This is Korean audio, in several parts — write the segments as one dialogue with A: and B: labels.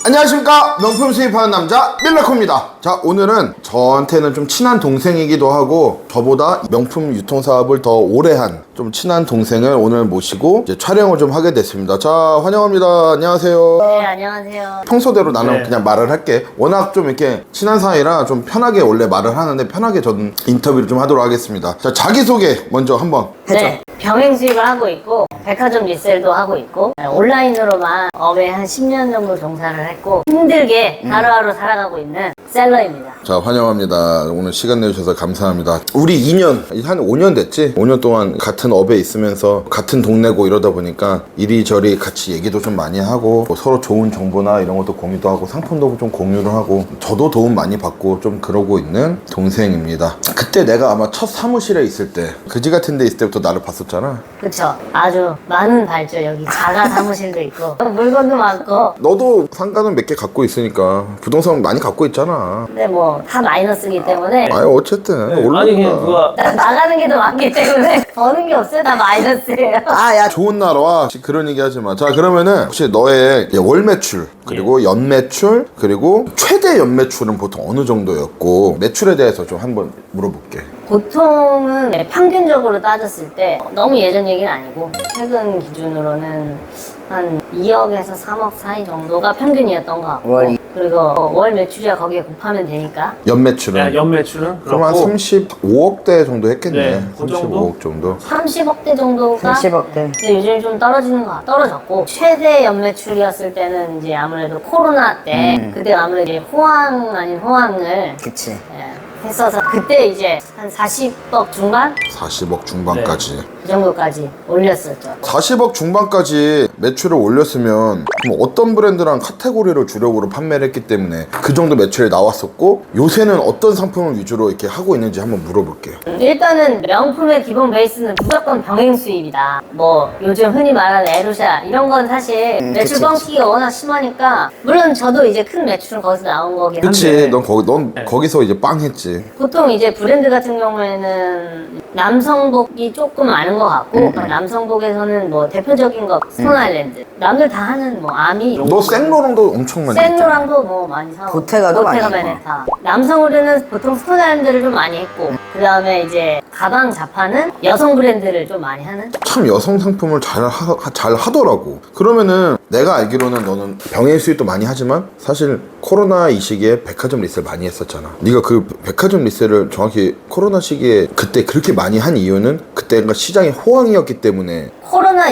A: 안녕하십니까, 명품 수입하는 남자 밀라코입니다. 자, 오늘은 저한테는 좀 친한 동생이기도 하고 저보다 명품 유통사업을 더 오래 한 좀 친한 동생을 오늘 모시고 이제 촬영을 좀 하게 됐습니다. 자, 환영합니다. 안녕하세요.
B: 네, 안녕하세요.
A: 평소대로 나는 그냥 말을 할게. 워낙 좀 이렇게 친한 사이라 좀 편하게 원래 말을 하는데 편하게 저는 인터뷰를 좀 하도록 하겠습니다. 자, 자기소개 먼저 한번 해줘.
B: 네, 병행 수입을 하고 있고 백화점 리셀도 하고 있고 온라인으로만 업에 한 10년 정도 종사를 했고 힘들게 하루하루 살아가고 있는 셀러입니다.
A: 자, 환영합니다. 오늘 시간 내주셔서 감사합니다. 우리 2년, 한 5년 됐지? 5년 동안 같은 업에 있으면서 같은 동네고 이러다 보니까 이리저리 같이 얘기도 좀 많이 하고 뭐 서로 좋은 정보나 이런 것도 공유도 하고 상품도 좀 공유를 하고 저도 도움 많이 받고 좀 그러고 있는 동생입니다. 그때 내가 아마 첫 사무실에 있을 때 그지 같은 데 있을 때부터 나를 봤었잖아.
B: 그쵸? 아주 많은 발주, 여기 자가 사무실도 있고 물건도 많고.
A: 너도 상가는 몇 개 갖고 있으니까 부동산 많이 갖고 있잖아.
B: 근데 뭐 다 마이너스이기 때문에
A: 아유, 어쨌든
C: 네,
A: 올라.
C: 아니 그냥 누가
B: 나가는 게 더 많기 때문에 버는 게 없어요. 다 마이너스예요.
A: 야, 좋은 날 와. 그런 얘기 하지 마. 자, 그러면은 혹시 너의 월 매출, 그리고 연 매출, 그리고 최대 연 매출은 보통 어느 정도였고 매출에 대해서 좀 한번 물어볼게.
B: 보통은 평균적으로 따졌을 때 너무 예전 얘기는 아니고 최근 기준으로는 한 2억에서 3억 사이 정도가 평균이었던 것 같고
D: 월.
B: 그리고 월 매출이야 거기에 곱하면 되니까
A: 연 매출은?
C: 연 매출은
A: 그럼 한
C: 그렇고
A: 35억대 정도 했겠네.
C: 네, 그 정도?
A: 35억 정도.
B: 30억대 정도가
D: 30억대.
B: 근데 요즘 좀 떨어지는 것 같아. 떨어졌고 최대 연매출이었을 때는 이제 아무래도 코로나 때 그때 아무래도 이제 호황 아닌 호황을
D: 그치.
B: 했어서 그때 이제 한 40억 중반
A: 40억 중반까지.
B: 그 정도까지 올렸었죠.
A: 40억 중반까지 매출을 올렸으면 그럼 어떤 브랜드랑 카테고리를 주력으로 판매를 했기 때문에 그 정도 매출이 나왔었고 요새는 어떤 상품을 위주로 이렇게 하고 있는지 한번 물어볼게요.
B: 일단은 명품의 기본 베이스는 무조건 병행 수입이다. 뭐 요즘 흔히 말하는 에루샤 이런 건 사실 매출
D: 그치,
B: 뻥튀기가 워낙 심하니까 물론 저도 이제 큰 매출은 거기서 나온 거긴 한데
A: 그치, 넌 거기서 이제 빵 했지.
B: 보통 이제 브랜드 같은 경우에는 남성복이 조금 많은 것 같고 남성복에서는 뭐 대표적인 거 스톤아일랜드 남들 다 하는 뭐 아미
A: 너 생로랑도 엄청 많이 했잖아.
B: 생로랑도 뭐 많이 사고
D: 보테가도 많이 했고.
B: 베네타 남성 의류는 보통 스톤아일랜드를 좀 많이 했고 그 다음에 이제 가방 자파는 여성 브랜드를 좀 많이 하는
A: 참 여성 상품을 잘 하더라고. 그러면은 내가 알기로는 너는 병행 수입도 많이 하지만 사실 코로나 이 시기에 백화점 리셀 많이 했었잖아. 네가 그 백화점 리셀을 정확히 코로나 시기에 그때 그렇게 많이 한 이유는 그때가 시장이 호황이었기 때문에.
B: 코로나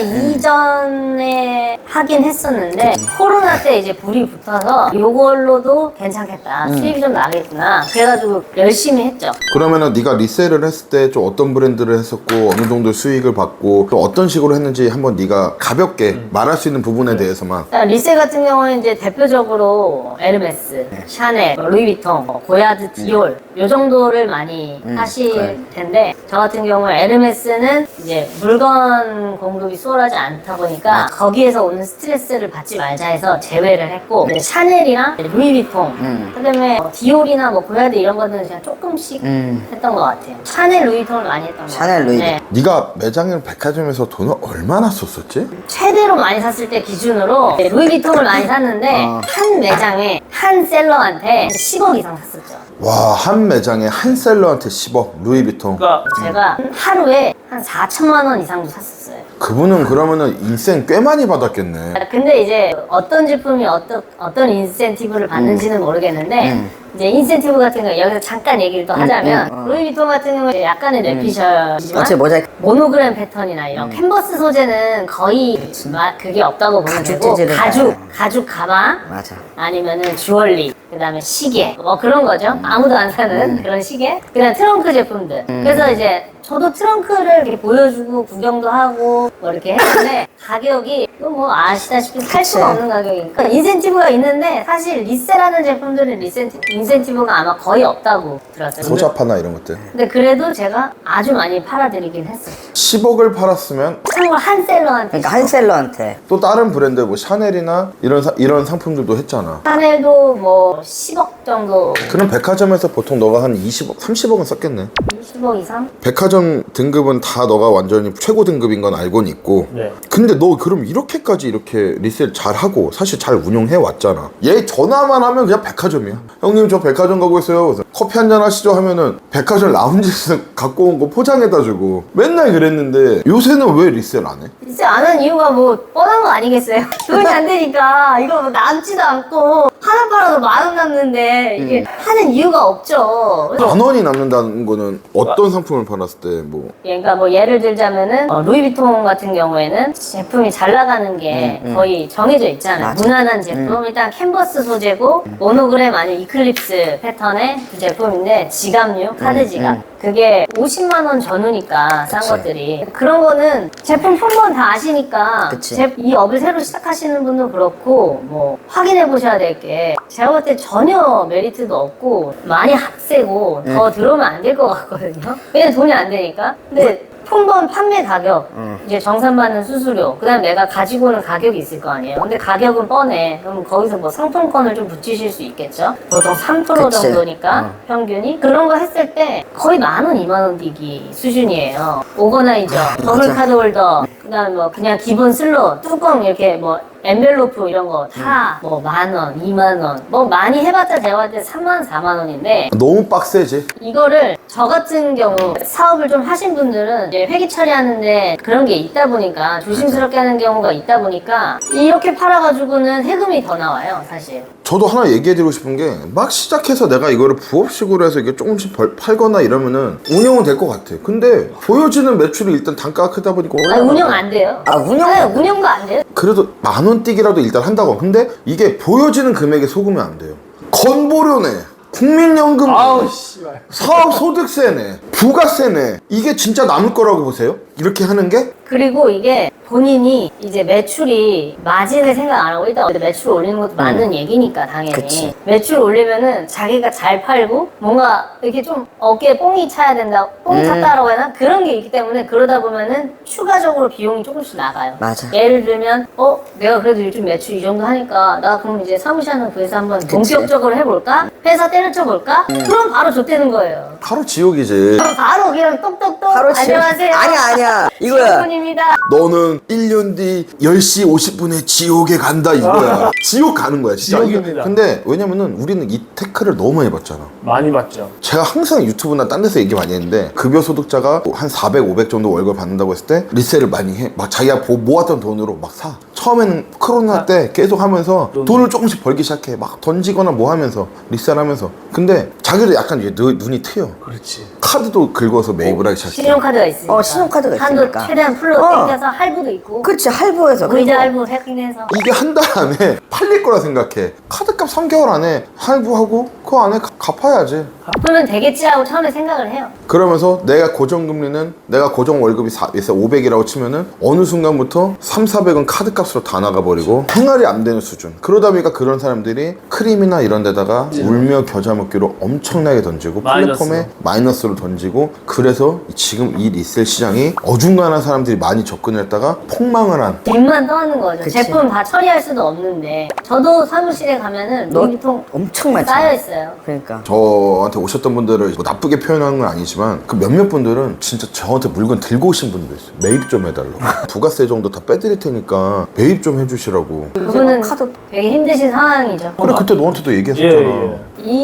B: 이전에 하긴 했었는데 코로나 때 이제 불이 붙어서 요걸로도 괜찮겠다 수입이 좀 나겠구나 그래가지고 열심히 했죠.
A: 그러면은 네가 리셀을 했을 때 좀 어떤 브랜드를 했었고 어느 정도 수익을 받고 또 어떤 식으로 했는지 한번 네가 가볍게 말할 수 있는 부분에 대해서만.
B: 리셀 같은 경우는 이제 대표적으로 에르메스, 샤넬, 루이비통, 고야드, 디올 요 정도를 많이 하실 텐데 저 같은 경우에 에르메스는 이제 물건 공급이 수월하지 않다 보니까 거기에서 오는 스트레스를 받지 말자 해서 제외를 했고 이제 샤넬이랑 루이비통 그다음에 디올이나 뭐 고야드 이런 거는 그냥 조금씩 했던 것 같아요. 샤넬, 루이비통을 많이 했던 것 같아요.
D: 샤넬, 루이비통.
B: 네.
A: 네가 매장을 백화점에서 돈을 얼마나 썼었지?
B: 최대로 많이 샀을 때 기준으로 루이비통을 많이 샀는데 한 매장에 한 셀러한테 10억 이상 샀었죠.
A: 와, 한 매장에 한 셀러한테 10억 루이비통.
C: 그러니까
B: 제가 하루에 한 4천만 원 이상도 샀었어요.
A: 그분은 그러면은 인센 꽤 많이 받았겠네.
B: 근데 이제 어떤 제품이 어떤 인센티브를 받는지는 모르겠는데 이제 인센티브 같은 거 여기서 잠깐 얘기를 또 하자면 루이비통 같은 경우는 약간의 뇌피셜이지만
D: 어째 모자이크.
B: 모노그램 패턴이나 이런 캔버스 소재는 거의 그게 없다고 보면
D: 가죽
B: 되고
D: 재질을
B: 가죽 가방
D: 맞아.
B: 아니면은 주얼리 그다음에 시계 뭐 그런 거죠. 아무도 안 사는 그런 시계 그다음 트렁크 제품들 그래서 이제 저도 트렁크를 이렇게 보여주고 구경도 하고 뭐 이렇게 했는데 가격이 또 뭐 아시다시피 살 수가 없는 가격이니까 인센티브가 있는데 사실 리셀하는 제품들은 인센티브가 아마 거의 없다고 들었어요.
A: 소자파나 이런 것들.
B: 근데 그래도 제가 아주 많이 팔아드리긴 했어요.
A: 10억을 팔았으면
B: 참고로 한 셀러한테
D: 그러니까 한 셀러한테.
A: 또 다른 브랜드 뭐 샤넬이나 이런 상품들도 했잖아.
B: 샤넬도 뭐 10억 정도
A: 그럼 백화점에서 보통 너가 한 20억, 30억은 썼겠네.
B: 20억 이상?
A: 백화점 백화점 등급은 다 너가 완전히 최고 등급인 건 알고는 있고
C: 네.
A: 근데 너 그럼 이렇게까지 이렇게 리셀 잘하고 사실 잘 운영해 왔잖아. 얘 전화만 하면 그냥 백화점이야. 형님 저 백화점 가고 있어요. 그래서 커피 한잔 하시죠 하면은 백화점 라운지에서 갖고 온 거 포장해다 주고 맨날 그랬는데 요새는 왜 리셀 안 해?
B: 진짜 안 하는 이유가 뭐 뻔한 거 아니겠어요? 돈이 안 되니까 이거 뭐 남지도 않고 하나 팔아도 10,000원 남는데 이게 하는 이유가 없죠. 그래서
A: 10,000원이 남는다는 거는 어떤 상품을 팔았을 때 뭐
B: 그러니까 뭐 예를 들자면은 루이비통 같은 경우에는 제품이 잘 나가는 게 거의 정해져 있잖아요.
D: 맞아.
B: 무난한 제품 일단 캔버스 소재고 모노그램 아니면 이클립스 패턴의 그 제품인데 지갑류, 카드 지갑 그게 50만 원 전후니까 싼
D: 그치.
B: 것들이 그런 거는 제품 품번 다 아시니까
D: 그치.
B: 이 업을 새로 시작하시는 분도 그렇고 뭐 확인해 보셔야 될 게 제가 볼 때 전혀 메리트도 없고 많이 학세고 더 들어오면 안 될 것 같거든요. 왜냐면 돈이 안 되니까. 근데 품번 판매 가격, 이제 정산받는 수수료, 그 다음에 내가 가지고 오는 가격이 있을 거 아니에요. 근데 가격은 뻔해. 그럼 거기서 뭐 상품권을 좀 붙이실 수 있겠죠? 보통 3%
D: 그치.
B: 정도니까 평균이. 그런 거 했을 때 거의 10,000원, 20,000원 뛰기 수준이에요. 오거나이저, 더블 카드 홀더, 그 다음에 뭐 그냥 기본 슬롯, 뚜껑 이렇게 뭐 엔벨로프 이런 거 다 뭐 10,000원, 20,000원 뭐 많이 해봤자 제가 봤을 때 3만, 4만 원인데
A: 너무 빡세지?
B: 이거를 저 같은 경우 사업을 좀 하신 분들은 이제 회계 처리하는데 그런 게 있다 보니까 조심스럽게 하는 경우가 있다 보니까 이렇게 팔아가지고는 세금이 더 나와요 사실.
A: 저도 하나 얘기해드리고 싶은 게 막 시작해서 내가 이거를 부업식으로 해서 이게 조금씩 팔거나 이러면은 운영은 될 것 같아. 근데 보여지는 매출이 일단 단가가 크다 보니까
B: 아니, 운영 안 돼요.
D: 아, 운영?
B: 네, 운영도 안 돼요.
A: 그래도 10,000원 뛰기라도 일단 한다고. 근데 이게 보여지는 금액에 속으면 안 돼요. 건보료네, 국민연금,
C: 아우 씨발.
A: 사업소득세네, 부가세네. 이게 진짜 남을 거라고 보세요? 이렇게 하는 게?
B: 그리고 이게 본인이 이제 매출이 마진을 생각 안 하고 일단 매출 올리는 것도 맞는 얘기니까 당연히
D: 그치.
B: 매출 올리면은 자기가 잘 팔고 뭔가 이렇게 좀 어깨에 뽕이 차야 된다 뽕이 찼다라고 해야 하나 그런 게 있기 때문에 그러다 보면은 추가적으로 비용이 조금씩 나가요.
D: 맞아.
B: 예를 들면 내가 그래도 요즘 매출 이 정도 하니까 나 그럼 이제 사무실 하는 구에서 한번 본격적으로 해볼까? 회사 때려쳐볼까? 그럼 바로 좆되는 거예요.
A: 바로 지옥이지.
B: 그럼 바로 그냥 똑똑똑
D: 바로 지금-
B: 안녕하세요.
D: 아니야 이거야.
B: 분입니다.
A: 너는 1년 뒤 10시 50분에 지옥에 간다 이거야. 지옥 가는 거야 진짜.
C: 지옥입니다.
A: 근데 왜냐면은 우리는 이 태클을 너무 많이 받잖아.
C: 많이 받죠.
A: 제가 항상 유튜브나 딴 데서 얘기 많이 했는데 급여 소득자가 한 400, 500 정도 월급 받는다고 했을 때 리셀을 많이 해. 막 자기가 모았던 돈으로 막 사. 처음에는 코로나 때 계속 하면서 돈을 조금씩 벌기 시작해. 막 던지거나 뭐 하면서 리셀하면서. 근데 자기를 약간 이제 눈이 트여.
C: 그렇지.
A: 카드도 긁어서 매입을 하기 시작해.
B: 신용카드가 있으니까.
D: 신용카드가
B: 한도
D: 있으니까.
B: 최대한 풀로 땡겨서 할부도 있고.
D: 그렇지 할부해서
B: 의자
D: 그리고
B: 할부 세팅해서.
A: 이게 한 달 안에 팔릴 거라 생각해. 카드값 3개월 안에 할부하고 그 안에 갚아야지.
B: 그러면 되겠지 하고 처음에 생각을 해요.
A: 그러면서 내가 고정금리는 내가 고정 월급이 500이라고 치면은 어느 순간부터 3, 400은 카드값으로 다 나가버리고 생활이 안 되는 수준. 그러다 보니까 그런 사람들이 크림이나 이런 데다가 울며 겨자 먹기로 엄청나게 던지고 플랫폼에 마이너스로 던지고 그래서 지금 이 리셀 시장이 어중간한 사람들이 많이 접근했다가 폭망을 한
B: 빚만 떠는 거죠.
D: 그치.
B: 제품 다 처리할 수도 없는데. 저도 사무실에 가면은 루이비통
D: 엄청 많잖아.
B: 쌓여 있어요.
D: 그러니까
A: 저한테 오셨던 분들을 뭐 나쁘게 표현하는 건 아니지만 그 몇몇 분들은 진짜 저한테 물건 들고 오신 분도 있어요. 매입 좀 해달라고. 부가세 정도 다 빼드릴 테니까 매입 좀 해주시라고.
B: 그분은
D: 카드-
B: 되게 힘드신 상황이죠.
A: 그래 그때 너한테도 얘기했었잖아.
C: 예.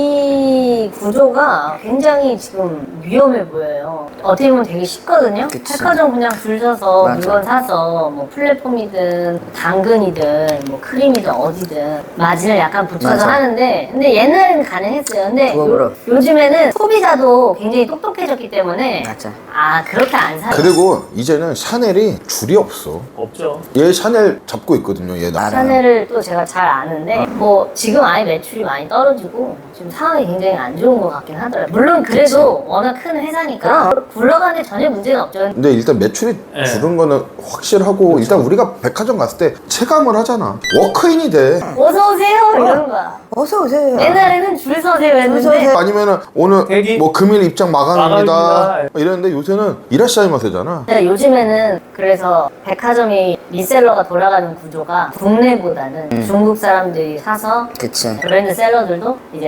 B: 이 구조가 굉장히 지금 위험해 보여요. 어떻게 보면 되게 쉽거든요.
D: 그치.
B: 백화점 그냥 줄 서서
D: 맞아.
B: 물건 사서 뭐 플랫폼이든 당근이든 뭐 크림이든 어디든 마진을 약간 붙여서
D: 맞아.
B: 하는데 근데 옛날에는 가능했어요. 근데
D: 부업으로.
B: 요즘에는 소비자도 굉장히 똑똑해졌기 때문에
D: 맞아.
B: 그렇게 안 사요.
A: 그리고 이제는 샤넬이 줄이 없어.
C: 없죠.
A: 얘 샤넬 잡고 있거든요. 얘 나.
B: 샤넬을 또 제가 잘 아는데 뭐 지금 아예 매출이 많이 떨어지고 지금 상황이 굉장히 안 좋은 것 같긴 하더라고요. 물론 그래도 워낙 큰 회사니까 굴러가는데 전혀 문제는 없죠.
A: 근데 일단 매출이
C: 예.
A: 줄은 거는 확실하고 일단 우리가 백화점 갔을 때 체감을 하잖아. 워크인이 돼.
B: 어서 오세요 이런 거야.
D: 어서 오세요.
B: 옛날에는 줄 서세요 했는데
D: 서세요.
A: 아니면은 오늘
C: 대기?
A: 뭐 금일 입장 마감입니다.
C: 마감입니다.
A: 이랬는데 요새는 이라시아이마세잖아.
B: 근데 요즘에는 그래서 백화점이 리셀러가 돌아가는 구조가 국내보다는 중국 사람들이 사서
D: 그치.
B: 브랜드 셀러들도 이제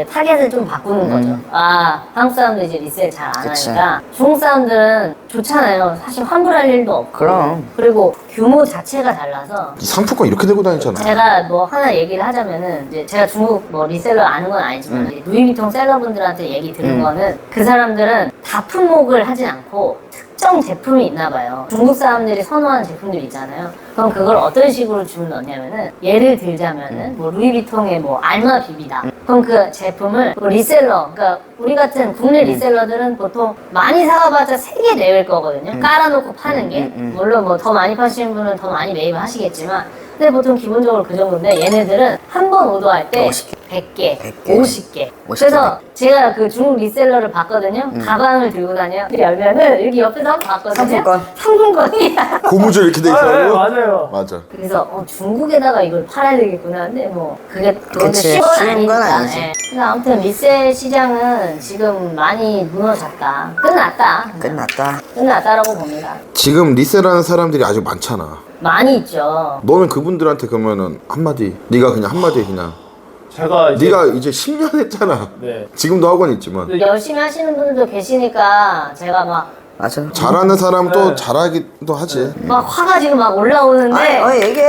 B: 타겟을 좀 바꾸는 거죠. 아, 한국 사람들 이제 리셀 잘 안
D: 그치.
B: 하니까 중국 사람들은 좋잖아요. 사실 환불할 일도 없고.
D: 그럼.
B: 그리고 규모 자체가 달라서
A: 이 상품권 이렇게 들고 다니잖아.
B: 제가 뭐 하나 얘기를 하자면은 이제 제가 중국 뭐 리셀러 아는 건 아니지만 이제 루이비통 셀러분들한테 얘기 들은 거는 그 사람들은 다 품목을 하진 않고 특정 제품이 있나 봐요. 중국 사람들이 선호하는 제품들 있잖아요. 그럼 그걸 어떤 식으로 주문 넣냐면은 예를 들자면은 뭐 루이비통의 뭐 알마 비비다. 그럼 그 제품을 뭐 리셀러, 그러니까 우리 같은 국내 리셀러들은 보통 많이 사가봤자 3개 내외일 거거든요. 깔아놓고 파는 게. 물론 뭐 더 많이 파시는 분은 더 많이 매입을 하시겠지만 근데 보통 기본적으로 그 정도인데 얘네들은 한 번 오더할 때 100개, 50개. 그래서 제가 그 중국 리셀러를 봤거든요. 가방을 들고 다녀. 열면은 여기 옆에서 한번 봤거든요.
D: 상품권.
B: 상품권이야.
A: 고무줄 이렇게 돼
C: 네,
A: 있어요.
C: 맞아요.
A: 맞아.
B: 그래서 중국에다가 이걸 팔아야 되겠구나. 근데 뭐 그게
D: 그치,
B: 쉬운
D: 쉬운 건 아니지.
B: 예. 그래서 아무튼 리셀 시장은 지금 많이 무너졌다. 끝났다. 끝났다라고 봅니다.
A: 지금 리셀하는 사람들이 아주 많잖아.
B: 많이 있죠.
A: 너는 그분들한테 그러면은 한마디, 네가 그냥 한마디 그냥.
C: 제가 이제
A: 네가 이제 10년 했잖아.
C: 네.
A: 지금도 학원 있지만.
B: 열심히 하시는 분들도 계시니까 제가 막
D: 맞아.
A: 잘하는 사람은 또
C: 네.
A: 잘하기도 하지.
B: 막 화가 지금 막 올라오는데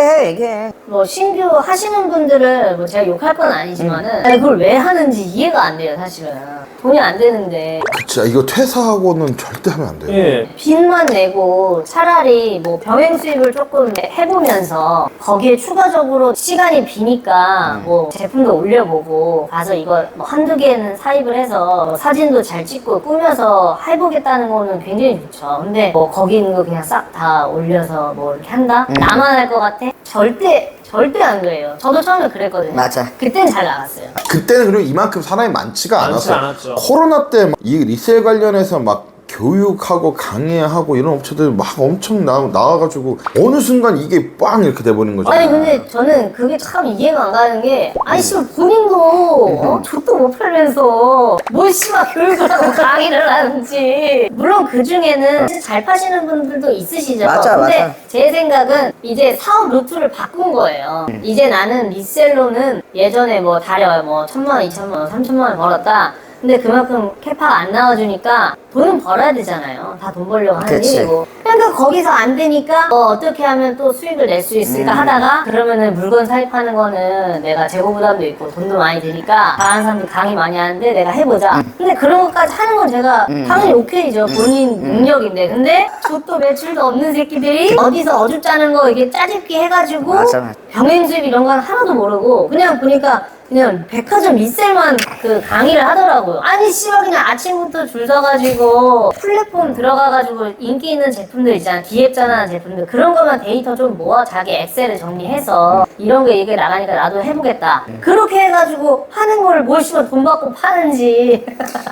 D: 얘기해.
B: 뭐 신규 하시는 분들을 뭐 제가 욕할 건 아니지만은 아니, 그걸 왜 하는지 이해가 안 돼요 사실은. 돈이 안 되는데
A: 그치. 이거 퇴사하고는 절대 하면 안 돼.
C: 예.
B: 빚만 내고 차라리 뭐 병행 수입을 조금 해보면서 거기에 추가적으로 시간이 비니까 뭐 제품도 올려보고 가서 이거 뭐 한두 개는 사입을 해서 뭐 사진도 잘 찍고 꾸며서 해보겠다는 거는 굉장히 좋죠. 근데 뭐 거기 있는 거 그냥 싹 다 올려서 뭐 이렇게 한다? 나만 할 것 같아? 절대 안 그래요. 저도 처음에 그랬거든요.
D: 맞아.
B: 그땐 잘 나갔어요.
A: 그때는 그리고 이만큼 사람이 많지가
C: 많지
A: 않았어.
C: 않았죠.
A: 코로나 때 이 리셀 관련해서 막 교육하고 강의하고 이런 업체들 막 엄청 나와가지고 어느 순간 이게 빵 이렇게 돼버린 거죠.
B: 아니 근데 저는 그게 참 이해가 안 가는 게 아니 씨발 본인도 족도 못 팔면서 뭘 씨발 교육을 하고 강의를 하는지 물론 그 중에는 잘 파시는 분들도 있으시죠.
D: 맞아,
B: 근데
D: 맞아.
B: 제 생각은 이제 사업 루트를 바꾼 거예요. 이제 나는 리셀로는 예전에 뭐 달에 뭐 1,000만 원, 2,000만 원, 3,000만 원 벌었다. 근데 그만큼 캐파가 안 나와주니까 돈은 벌어야 되잖아요. 다 돈 벌려고 하는
D: 그치.
B: 일이고. 그러니까 거기서 안 되니까 어떻게 하면 또 수익을 낼 수 있을까 하다가 그러면은 물건 사입하는 거는 내가 재고 부담도 있고 돈도 많이 드니까 다른 사람들 강의 많이 하는데 내가 해보자. 근데 그런 것까지 하는 건 제가 당연히 오케이죠. 본인 능력인데. 근데 족도 매출도 없는 새끼들이 어디서 어줍잖은 거 이게 짜집기 해가지고
D: 맞아.
B: 병행 수입 이런 건 하나도 모르고 그냥 보니까 그냥 백화점 리셀만 그 강의를 하더라고요. 아니 씨발 그냥 아침부터 줄 서가지고 플랫폼 들어가가지고 인기 있는 제품들 있잖아. 기획전하는 제품들 그런 거만 데이터 좀 모아 자기 엑셀에 정리해서 이런 게 얘기 나가니까 나도 해보겠다. 그렇게 해가지고 하는 거를 뭘 씨발 돈 받고 파는지.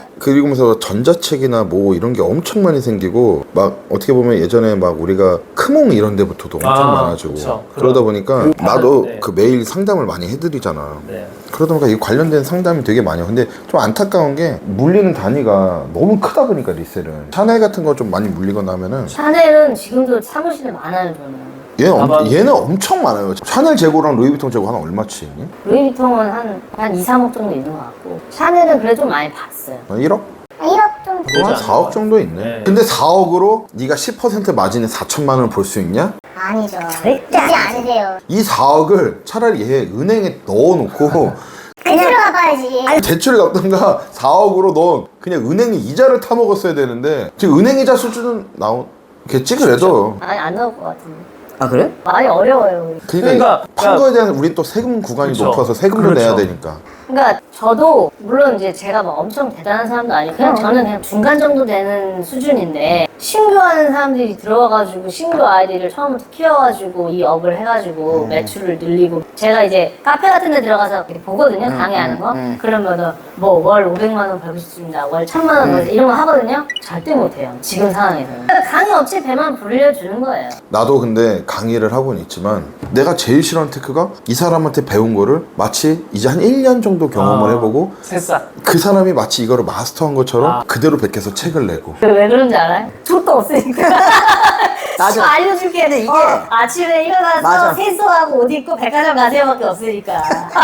A: 그리고면서 전자책이나 뭐 이런 게 엄청 많이 생기고 막 어떻게 보면 예전에 막 우리가 크몽 이런 데부터도 엄청
C: 아,
A: 많아지고
C: 그쵸.
A: 그러다 보니까
C: 그
A: 나도
C: 네.
A: 그 매일 상담을 많이 해드리잖아.
C: 네.
A: 그러다 보니까 이 관련된 상담이 되게 많아요. 근데 좀 안타까운 게 물리는 단위가 너무 크다 보니까 리셀은 샤넬 같은 거 좀 많이 물리거나 하면은
B: 샤넬은 지금도 사무실에 많아요 저는.
A: 얘는 엄청 많아요. 샤넬 재고랑 루이비통 재고 하나 얼마치 있니?
B: 루이비통은 한 2, 3억 정도 있는 것 같고 샤넬은 그래도 좀 많이 봤어요.
A: 1억?
B: 1억 좀
C: 되지
A: 한
C: 않나?
A: 4억 정도 있네.
C: 네.
A: 근데 4억으로 네가 10% 마진에 4천만 원을 벌 수 있냐?
E: 아니죠. 절대 안 돼요.
A: 이 4억을 차라리 얘 은행에 넣어놓고
E: 그대로 갚아야지.
A: 대출을 갚던가 4억으로 넌 그냥 은행이 이자를 타먹었어야 되는데 지금 은행 이자 수준은 나오겠지 그래도.
B: 아니 안 나올 것 같은데.
D: 아 그래?
B: 많이 어려워요. 우리.
A: 그러니까 판
C: 그러니까
A: 거에 대한 우리 또 세금 구간이
C: 그쵸.
A: 높아서 세금을
C: 그렇죠.
A: 내야 되니까.
B: 그러니까 저도 물론 이제 제가 막 엄청 대단한 사람도 아니고 그냥 저는 그냥 중간 정도 되는 수준인데 신규 하는 사람들이 들어와가지고 신규 아이디를 처음부터 키워가지고 이 업을 해가지고 매출을 늘리고 제가 이제 카페 같은 데 들어가서 이렇게 보거든요 강의하는 거 그러면은 뭐 월 500만 원 벌고 싶습니다 월 1000만 원 벌고 이런 거 하거든요 절대 못해요 지금 상황에서는 그러니까 강의 업체 배만 불려주는 거예요.
A: 나도 근데 강의를 하고는 있지만 내가 제일 싫어하는 테크가 이 사람한테 배운 거를 마치 이제 한 1년 정도 경험을 해보고
C: 새싹.
A: 그 사람이 마치 이거를 마스터한 것처럼 그대로 베껴서 책을 내고
B: 왜 그런지 알아요? 족도 없으니까.
D: 맞아.
B: 알려줄게.
D: 근데 이게-
B: 아침에 일어나서
D: 맞아.
B: 세수하고 옷 입고 백화점 가세요밖에 없으니까.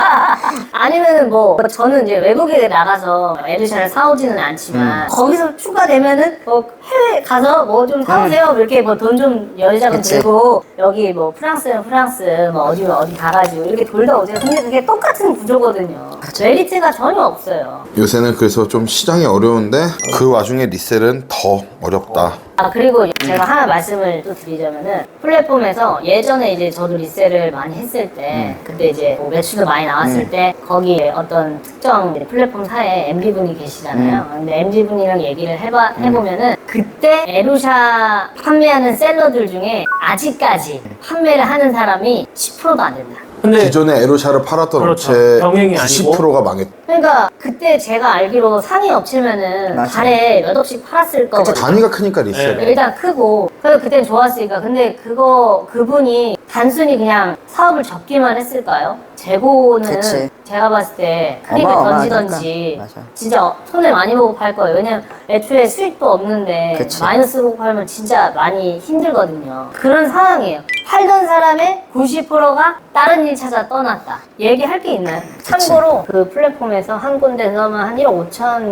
B: 아니면은 뭐 저는 이제 외국에 나가서 에르샤를 사오지는 않지만 거기서 추가되면은 뭐 해외 가서 뭐 좀 사오세요. 이렇게 뭐 돈 좀 여유자금
D: 그치.
B: 들고 여기 뭐 프랑스는 프랑스 뭐 어디면 어디 가가지고 이렇게 돌다 오세요. 근데 그게 똑같은 구조거든요. 메리트가 전혀 없어요.
A: 요새는 그래서 좀 시장이 어려운데 그 와중에 리셀은 더 어렵다.
B: 아 그리고 제가 하나 말씀을 또 드리자면은 플랫폼에서 예전에 이제 저도 리셀을 많이 했을 때 그때 이제 뭐 매출도 많이 나왔을 때 거기에 어떤 특정 이제 플랫폼사에 MD분이 계시잖아요. 근데 MD분이랑 얘기를 해보면은 그때 에루샤 판매하는 셀러들 중에 아직까지 판매를 하는 사람이 10%도 안 된다.
C: 근데
A: 기존에 에로샤를 팔았던
C: 그렇죠.
A: 업체
C: 병행이 아니고.
A: 90%가 망했.
B: 그러니까 그때 제가 알기로 상위 업체면은
D: 맞아.
B: 달에 몇 억씩 팔았을 거거든요.
A: 단위가 크니까 리셀.
C: 네.
B: 일단 크고 그래서 그땐 좋았으니까 근데 그분이 단순히 그냥 사업을 접기만 했을까요? 재고는
D: 그치.
B: 제가 봤을 때 크림을
D: 어마어마하니까.
B: 던지던지
D: 맞아.
B: 진짜 손해 많이 보고 팔 거예요. 왜냐면 애초에 수익도 없는데
D: 그치.
B: 마이너스 보고 팔면 진짜 많이 힘들거든요. 그런 상황이에요. 팔던 사람의 90%가 다른 일 찾아 떠났다. 얘기할 게 있나요? 참고로 그 플랫폼에서 한 군데서만 한 1억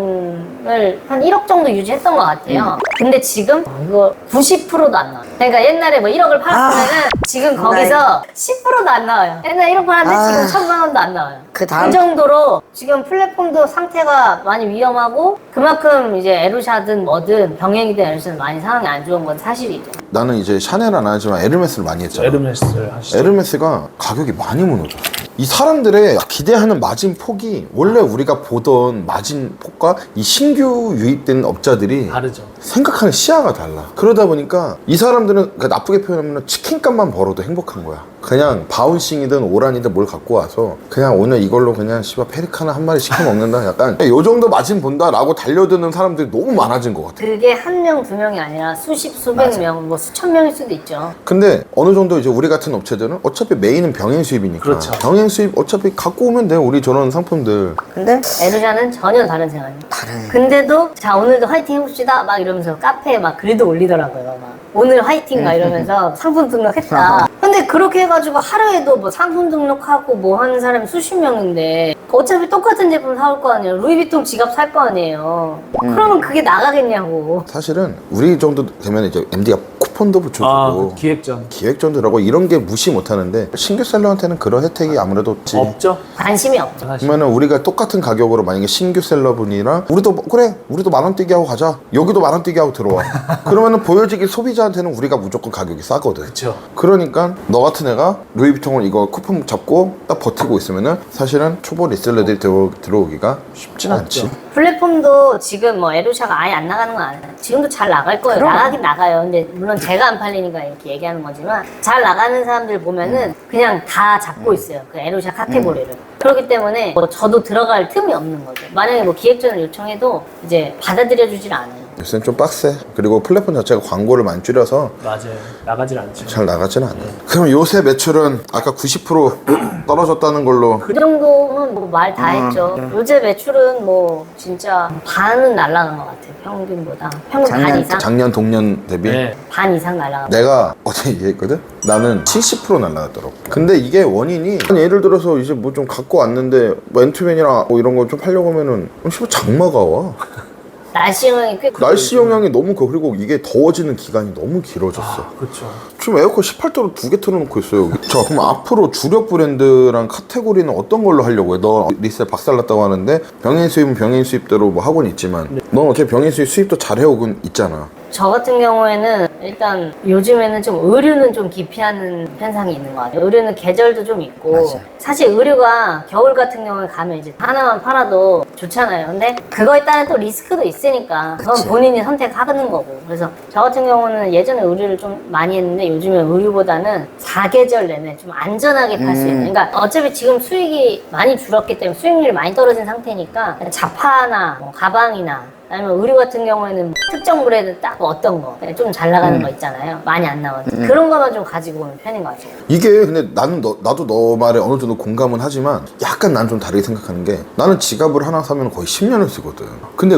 B: 5천을 한 1억 정도 유지했던 것 같아요. 근데 지금 이거 90%도 안 나와요. 그러니까 옛날에 뭐 1억을 팔았으면은 지금 거기서 10%도 안 나와요. 옛날에 1억 팔았는데 지금 1,000만 원도 안 나와요.
D: 그 다음-
B: 정도로 지금 플랫폼도 상태가 많이 위험하고 그만큼 이제 에루샤든 뭐든 병행이든 에루샤든 많이 상황이 안 좋은 건 사실이죠.
A: 나는 이제 샤넬은 안 하지만 에르메스를 많이 했잖아.
C: 에르메스를 하시죠.
A: 에르메스가 가격이 많이 무너져. 이 사람들의 기대하는 마진 폭이 원래 우리가 보던 마진 폭과 이 신규 유입된 업자들이
C: 다르죠.
A: 생각하는 시야가 달라. 그러다 보니까 이 사람들은 그러니까 나쁘게 표현하면 치킨값만 벌어도 행복한 거야. 그냥 바운싱이든 오란이든 뭘 갖고 와서 그냥 오늘 이걸로 그냥 씨발 페리카나 한 마리 시켜 먹는다. 약간 요 정도 마진 본다라고 달려드는 사람들이 너무 많아진 것 같아.
B: 그게 한 명, 두 명이 아니라 수십, 수백 명, 뭐 수천 명일 수도 있죠.
A: 근데 어느 정도 이제 우리 같은 업체들은 어차피 메인은 병행 수입이니까
C: 그렇죠.
A: 병행 수입 어차피 갖고 오면 돼. 우리 저런 상품들.
D: 근데
B: 에루샤는 전혀 다른 생활이에요.
D: 다른.
B: 근데도 자 오늘도 화이팅 해봅시다 막 이러면서 카페에 막 글도 올리더라고요. 막 오늘 화이팅 막 이러면서 상품 등록했다. 근데 그렇게 해가지고 하루에도 뭐 상품 등록하고 뭐 하는 사람이 수십 명인데 어차피 똑같은 제품 사올 거 아니에요. 루이비통 지갑 살 거 아니에요. 그러면 그게 나가겠냐고.
A: 사실은 우리 정도 되면 이제 MD가 쿠폰도 붙여주고
C: 아, 기획전.
A: 기획전도 하고 이런 게 무시 못하는데 신규 셀러한테는 그런 혜택이 아무래도 없지.
C: 없죠?
B: 관심이 없죠.
C: 사실.
A: 그러면은 우리가 똑같은 가격으로 만약에 신규 셀러분이랑 우리도 그래 우리도 10,000원 뛰기 하고 가자 여기도 10,000원 뛰기 하고 들어와 그러면은 보여지기 소비자한테는 우리가 무조건 가격이 싸거든.
C: 그쵸.
A: 그러니까 너 같은 애가 루이비통을 이거 쿠폰 잡고 딱 버티고 있으면은 사실은 초보 리셀러들이 들어오기가 쉽진 않지.
B: 플랫폼도 지금 뭐 에루샤가 아예 안 나가는 건 아니에요. 지금도 잘 나갈 거예요.
D: 그럼.
B: 나가긴 나가요. 근데 물론 제가 안 팔리니까 이렇게 얘기하는 거지만 잘 나가는 사람들 보면은 그냥 다 잡고 있어요. 그 에루샤 카테고리를. 그렇기 때문에 뭐 저도 들어갈 틈이 없는 거죠. 만약에 뭐 기획전을 요청해도 이제 받아들여주질 않아요.
A: 요새는 좀 빡세. 그리고 플랫폼 자체가 광고를 많이 줄여서
C: 맞아요. 나가질 않죠.
A: 잘 나가지는 않아요. 그럼 요새 매출은 아까 90% 떨어졌다는 걸로
B: 그 정도는 뭐 말 다 했죠. 요새 매출은 뭐 진짜 반은 날라간 것 같아요. 평균보다. 평균 반 이상?
A: 작년 동년 대비
C: 네.
B: 반 이상 날라간 것
A: 내가 어제 얘기했거든? 나는 70% 날라갔더라고. 근데 이게 원인이 예를 들어서 이제 뭐 좀 갖고 왔는데 뭐 엔투맨이나 뭐 이런 거 좀 팔려고 하면은 씨발 장마가 와.
B: 날씨 영향이 꽤
A: 날씨 영향이 너무 커. 그리고 이게 더워지는 기간이 너무 길어졌어.
C: 그렇죠.
A: 지금 에어컨 18도로 2개 틀어놓고 있어요. 자, 그럼 앞으로 주력 브랜드랑 카테고리는 어떤 걸로 하려고 해? 너 리셀 박살났다고 하는데 병행 수입은 병행 수입대로 뭐 하고는 있지만 넌 어차피 병행 수입 수입도 잘 해오곤 있잖아.
B: 저 같은 경우에는 일단 요즘에는 좀 의류는 좀 기피하는 현상이 있는 것 같아요. 의류는 계절도 좀 있고
D: 맞아.
B: 사실 의류가 겨울 같은 경우에 가면 이제 하나만 팔아도 좋잖아요. 근데 그거에 따른 또 리스크도 있으니까 그건
D: 그치.
B: 본인이 선택하는 거고. 그래서 저 같은 경우는 예전에 의류를 좀 많이 했는데 요즘에 의류보다는 4계절 내내 좀 안전하게 팔 수 있는. 그러니까 어차피 지금 수익이 많이 줄었기 때문에 수익률이 많이 떨어진 상태니까 자파나 뭐 가방이나 아니면 의류 같은 경우에는 특정 브랜드 딱 어떤 거 좀 잘 나가는 거 있잖아요. 많이 안 나오는 그런 거만 좀 가지고 오는 편인 것 같아요.
A: 이게 근데 나도 너 말에 어느 정도 공감은 하지만 약간 난 좀 다르게 생각하는 게 나는 지갑을 하나 사면 거의 10년을 쓰거든. 근데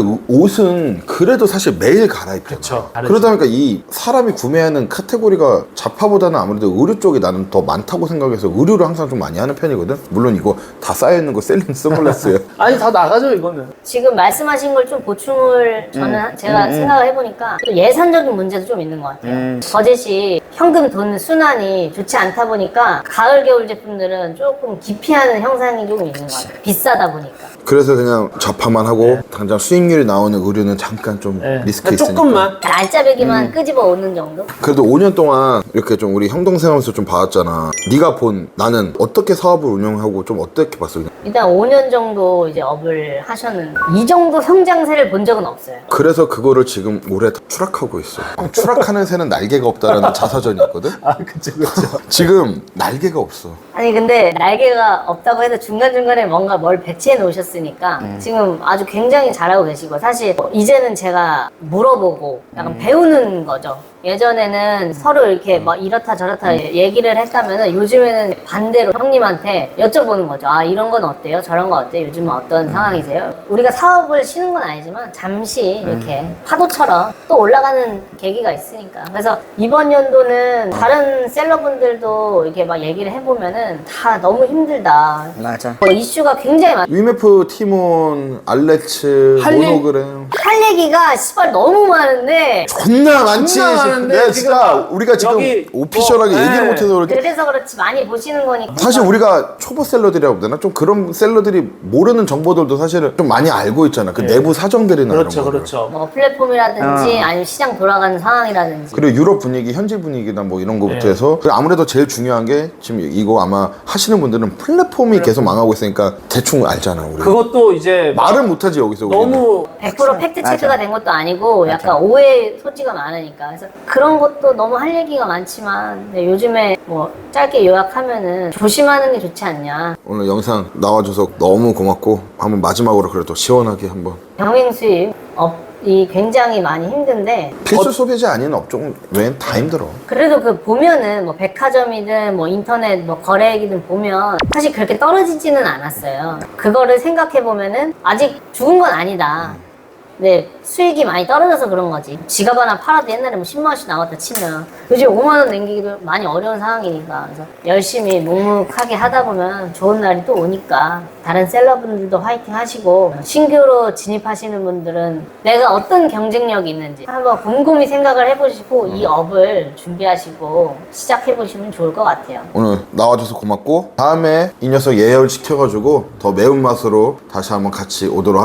A: 옷은 그래도 사실 매일 갈아입잖아.
C: 그쵸, 다르지.
A: 그러다 보니까 이 사람이 구매하는 카테고리가 자파보다는 아무래도 의류 쪽이 나는 더 많다고 생각해서 의류를 항상 좀 많이 하는 편이거든. 물론 이거 다 쌓여있는 거 셀린 선글라스예요.
C: 아니 다 나가죠 이거는.
B: 지금 말씀하신 걸 좀 보충을 저는 제가 생각을 해보니까 또 예산적인 문제도 좀 있는 것 같아요. 버젯이 현금 돈 순환이 좋지 않다 보니까 가을 겨울 제품들은 조금 기피하는 형상이 좀 있는 것 같아요. 비싸다 보니까.
A: 그래서 그냥 자파만 하고 당장 수익률이 나오는 의류는 잠깐 좀
C: 네.
A: 리스크 있으니까.
C: 조금만.
B: 알짜배기만 끄집어 오는 정도?
A: 그래도 5년 동안 이렇게 좀 우리 형 동생 하면서 좀 봐왔잖아. 네가 본 나는 어떻게 사업을 운영하고 좀 어떻게 봤어?
B: 일단 5년 정도 이제 업을 하셨는데 이 정도 성장세를 본 적은 없어요.
A: 그래서 그거를 지금 올해 다 추락하고 있어. 추락하는 새는 날개가 없다라는 자사전이 있거든.
C: 아 그쵸.
A: 지금 날개가 없어.
B: 아니 근데 날개가 없다고 해도 중간중간에 뭔가 뭘 배치해 놓으셨으니까 지금 아주 굉장히 잘하고 계시고 사실 이제는 제가 물어보고 약간 배우는 거죠. 예전에는 서로 이렇게 뭐 이렇다 저렇다 얘기를 했다면은 요즘에는 반대로 형님한테 여쭤보는 거죠. 아 이런 건 어때요? 저런 건 어때요? 요즘은 어떤 상황이세요? 우리가 사업을 쉬는 건 아니지만 잠시 이렇게 파도처럼 또 올라가는 계기가 있으니까. 그래서 이번 연도는 다른 셀러분들도 이렇게 막 얘기를 해보면은 다 너무 힘들다.
D: 맞아.
B: 뭐 이슈가 굉장히 많아.
A: 위메프, 티몬, 알레츠,
C: 할 일-
A: 모노그램
B: 할 얘기가 씨발 너무 많은데
A: 존나 많지.
C: 존나 많은데
A: 내가
C: 지금
A: 진짜 우리가 지금
C: 여기
A: 오피셜하게
C: 뭐,
A: 얘기를
C: 네.
A: 못해서 그렇게.
B: 그래서 그렇지 많이 보시는 거니까.
A: 사실 우리가 초보 셀러들이라고 해야 되나? 좀 그런 셀러들이 모르는 정보들도 사실은 좀 많이 알고 있잖아. 그 내부 사정들이나
C: 그렇죠
A: 이런 거.
C: 그렇죠.
B: 뭐 플랫폼이라든지 아니면 시장 돌아가는 상황이라든지.
A: 그리고 유럽 분위기, 현지 분위기나 뭐 이런 거부터
C: 네.
A: 해서 그리고 아무래도 제일 중요한 게 지금 이거 아마 하시는 분들은 플랫폼이 계속 망하고 있으니까 대충 알잖아 우리.
C: 그것도 이제
A: 말을 못하지 여기서 우리는.
C: 너무
B: 100% 팩트 체크가 된 것도 아니고 약간 오해 소지가 많으니까 그래서 그런 것도 너무 할 얘기가 많지만 근데 요즘에 뭐 짧게 요약하면은 조심하는 게 좋지 않냐.
A: 오늘 영상 나와줘서 너무 고맙고 한번 마지막으로 그래도 시원하게 한번
B: 병행 수입 업이 굉장히 많이 힘든데
A: 필수 소비자 아닌 업종 외엔 다 힘들어.
B: 그래도 그 보면은 뭐 백화점이든 뭐 인터넷 뭐 거래액이든 보면 사실 그렇게 떨어지지는 않았어요. 그거를 생각해 보면은 아직 죽은 건 아니다. 근데 수익이 많이 떨어져서 그런 거지. 지갑 하나 팔아도 옛날에 뭐 10만 원씩 나왔다 치면 요즘 5만 원 남기기도 많이 어려운 상황이니까 그래서 열심히 묵묵하게 하다 보면 좋은 날이 또 오니까 다른 셀러분들도 화이팅 하시고 신규로 진입하시는 분들은 내가 어떤 경쟁력이 있는지 한번 곰곰이 생각을 해보시고 이 업을 준비하시고 시작해보시면 좋을 것 같아요.
A: 오늘 나와줘서 고맙고 다음에 이 녀석 예열 시켜가지고 더 매운맛으로 다시 한번 같이 오도록